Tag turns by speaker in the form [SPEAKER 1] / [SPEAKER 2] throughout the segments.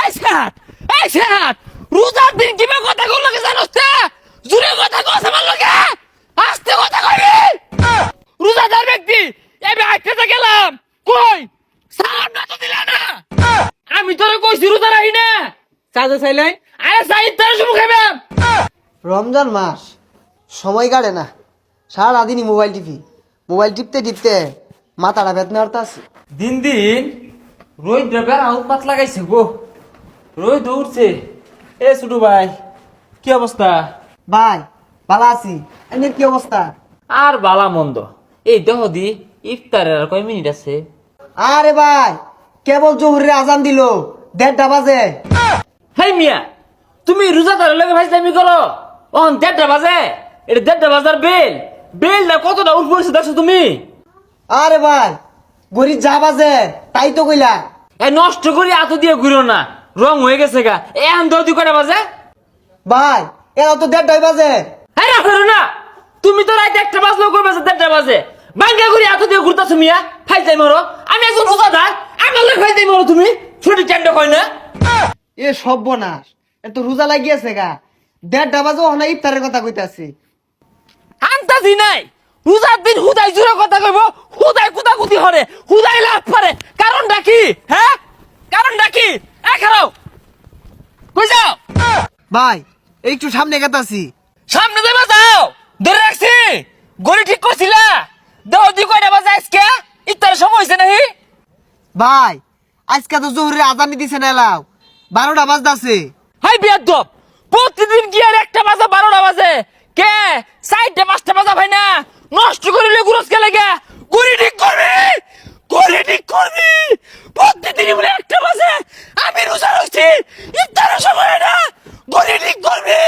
[SPEAKER 1] সাত রোজার দিন কিবা কথা কল লাগে জানোস তে জুরে কথা কস আমার লগে আস্তে কথা কইবি রোজাদার ব্যক্তি এবে আইতে গেলাম কই সালাম না তো দিলা না আমি তোরে কইছি রোজা রাখি না চাচা চাইলাই আরে সাইদ তার শুরু খাইবাম
[SPEAKER 2] রমজান মাস সময় কাটে না সারাদিনই মোবাইল টিপতে টিপতে মাথাটা বেদনা আছে।
[SPEAKER 1] দিন দিন রোহিত বেড়া উৎপাত লাগাইছে গো রোহিত উঠছে এ ছোট ভাই কি অবস্থা
[SPEAKER 2] ভাই ভালো আছি, এমনি কি অবস্থা?
[SPEAKER 1] আর বালা মন্দ এই দেহ দি ইফতারের আর কয় মিনিট আছে
[SPEAKER 2] আরে ভাই কেবল জোহরের আজান দিল 1:30 বাজে।
[SPEAKER 1] হেই মিয়া তুমি রোজাদারের লগে ফাইজলামি করো অন 1:30 বাজে এটা 1:30 বাজার বেল না কতটা উঠ পড়ছে দেখছো তুমি
[SPEAKER 2] আরে ভাই গড়ি যা বাজে তাই তো কইলা।
[SPEAKER 1] এই নষ্ট করি এত দিয়ে ঘুরো না রং হয়ে গেছে গা এখন দৌদি কয়টা বাজে
[SPEAKER 2] ভাই এরা তো 1:30 বাজে।
[SPEAKER 1] হ্যাঁ না করো না তুমি তো রাত 1টা বাজলেও করবে 1:30 বাজে বাঙ্গা করি এত দিয়ে ঘুরতেছো মিয়া ফাইজাই মরো আমি একজন রোজাদার আমার লোক ফাইজাই মরো তুমি ছুটি চান্ড কয় না
[SPEAKER 2] এ সর্বনাশ এত রোজা লাগিয়েছে গা 1:30 বাজে ওখানে ইফতারের কথা কইতাছি।
[SPEAKER 1] আন্তাজি নাই রোজার দিন হুদাই জুড়ে কথা কইব হুদাই কুতাকুতি হরে হুদাই লাভ পারে কারণটা কি হ্যাঁ কারণটা কি খারাও কই যাও
[SPEAKER 2] ভাই একটু সামনে গেতাছি।
[SPEAKER 1] সামনে দেবা যাও ধরে রাখছি গড়ি ঠিক করছিলা দেহ দি কয়টা বাজে আজকে ইফতারের সময় হইছে নাহি
[SPEAKER 2] ভাই আজকে তো জোহরের আজান দিছে না এলাও 12টা বাজতাছে।
[SPEAKER 1] হাই বিয়াদব প্রতিদিন কি আর 1টা বাজে 12টা বাজে কে 4টা 5টা বাজা ভাই না নষ্ট করিলে গুরস কে লাগে গড়ি ঠিক করবি প্রতিদিন বলে 1টা বাজে আমি রোজা রাখছি ইফতারের সময় না গড়ি ঠিক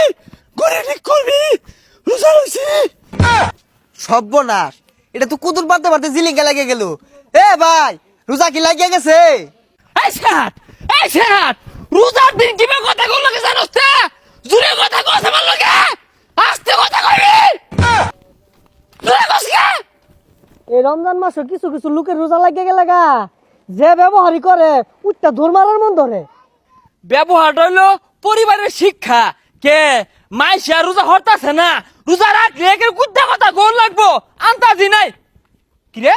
[SPEAKER 1] করবি রোজা রাখছি
[SPEAKER 2] সর্বনাশ এটা তো কুতুর পারতে পারতে জিলিঙ্গা লাগে গেল। এ ভাই রোজা কি লাগিয়ে গেছে?
[SPEAKER 1] এই সাত রোজার দিন কিবা কথা কল লাগে জানোস তে জুরে কথা কস আমার লগে আস্তে কথা কইবি জুরে কস কে
[SPEAKER 3] এই রমজান মাসে কিছু কিছু লোকের রোজা লাগিয়ে গেলে গা যে ব্যবহারই করে উঠটা ধর মারার মন ধরে।
[SPEAKER 1] ব্যবহার হইলো পরিবারের শিক্ষা কে মাইশা রোজা হরতাছে না রোজা রাখলে একের কুদ্দা কথা গোল লাগবো আন্তাজি নাই কিরে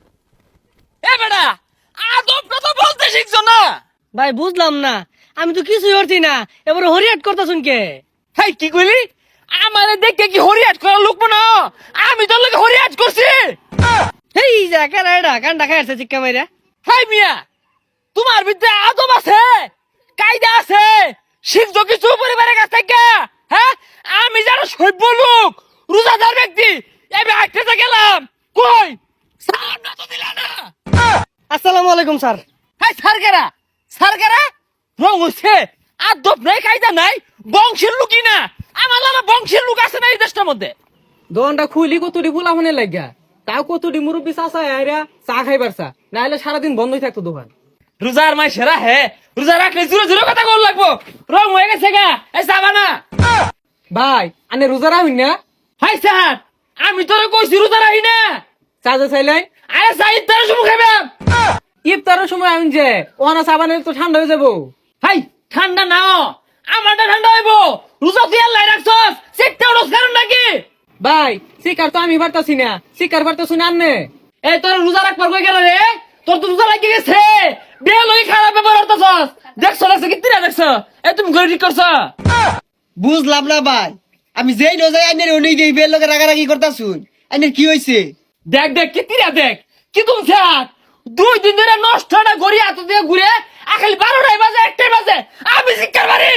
[SPEAKER 1] এ বেটা আদবটা তো বলতে শিখছো না
[SPEAKER 3] ভাই বুঝলাম না, আমি তো কিছুই করছি না, এবারে হরিয়াট করতেছুন কে?
[SPEAKER 1] হাই কি কইলি আমারে দেখে কি হরিয়াট করা লোক না আমি তোর লগে হরিয়াট করছি
[SPEAKER 3] এই যা কেন এটা কান্ডা খাইছে চিক্কা মাইরা।
[SPEAKER 1] হাই মিয়া তোমার ভিতরে আদব আছে কায়দা আছে শিখছো কিছু পরিবারের কাছ থেকে হ্যাঁ আমি যারা সভ্য লোক রোজাদার ব্যক্তি এবে আইতে গেলাম কই সালাম না তো দিলা না
[SPEAKER 3] আসসালামু আলাইকুম স্যার।
[SPEAKER 1] হাই সারগেরা রং হচ্ছে আদব নাই কায়দা নাই বংশের লোকই না আমার নামে বংশের লোক আছে না এই দেশটার মধ্যে
[SPEAKER 3] দোকানটা খুলি কতটি ফুলা ফোনে লাগিয়া তাও কতটি মুরব্বী চাষা আইরা চা খাইবার চা না হলে সারাদিন বন্ধই থাকতো দোকান।
[SPEAKER 1] রোজার মাই সেরা হে রোজা রাখলে জুড়ে কথা কল লাগবো রং হয়ে গেছে গা এই চাবা না
[SPEAKER 3] ভাই আনে রোজা রাখুন না।
[SPEAKER 1] হাই স্যার আমি তোরে কইছি রোজা রাখি না
[SPEAKER 3] চাচা চাইলাই
[SPEAKER 1] আরে সাইদ তার শুরু খাইবাম
[SPEAKER 3] ইফতারের সময় আমি যে ওনা সাবানে তো ঠান্ডা হয়ে যাবো।
[SPEAKER 1] হাই ঠান্ডা নাও আমারটা ঠান্ডা হইব রোজা তুই আল্লাহ রাখছস সেটা রোজ কারণ নাকি
[SPEAKER 3] ভাই শিকার তো আমি পারতাছি না, শিকার পারতাছি না আন্নে।
[SPEAKER 1] এই তোর রোজা রাখবার কই গেল রে তোর তো রোজা লাগি গেছে বিয়ে লই খারাপ ব্যবহার করতেছস দেখছ লাগছে কি তিরা দেখছ এই তুমি গরি ঠিক করছ
[SPEAKER 2] বুঝলাম না ভাই, আমি যেই রোজায় আইনের উনি দেই বের লোকে রাগারাগি করতাছুন, আইনের কি হইছে?
[SPEAKER 1] দেখ কি তিরা দেখ কি তুমি স্যার 2 দিন ধরে নষ্ট না গড়ি হাত দিয়ে ঘুরে আখালি 12টায় বাজে 1টায় বাজে আমি শিক্ষার বাড়ি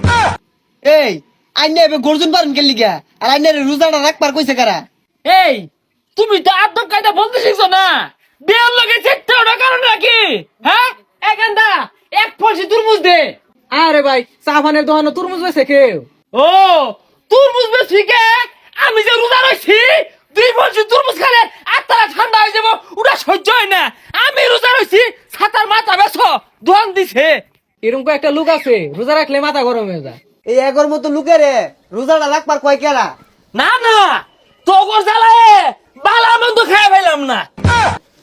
[SPEAKER 2] এই আইনে এবে গর্জন পারেন কে লিগা? আর আইনের রোজাটা রাখবার কইছে কারা?
[SPEAKER 1] এই তুমি তো আদব কায়দা বলতে শিখছো না বিয়ের লগে চেষ্টা ওটা কারণ নাকি হ্যাঁ এখানটা এক ফলসি তুরমুজ দে
[SPEAKER 3] আরে ভাই সাবানের দোকানে তরমুজ বেছে কেউ?
[SPEAKER 1] ও তুরমুজ বেশি কে আমি যে রোজা রইছি 2 ফলসি তুরমুজ খালে আত্মারা ঠান্ডা হয়ে যাবো ওটা সহ্য হয় না আমি রোজা রইছি ছাতার মাথা বেছো দোয়ান দিছে
[SPEAKER 3] এরকম একটা লোক আছে রোজা রাখলে মাথা গরম হয়ে যায়।
[SPEAKER 2] এই এগর মতো লোকেরে রোজাটা রাখবার কয় কেরা?
[SPEAKER 1] না তোগর জ্বালায় বালা মন্দ খাই ফেলাম না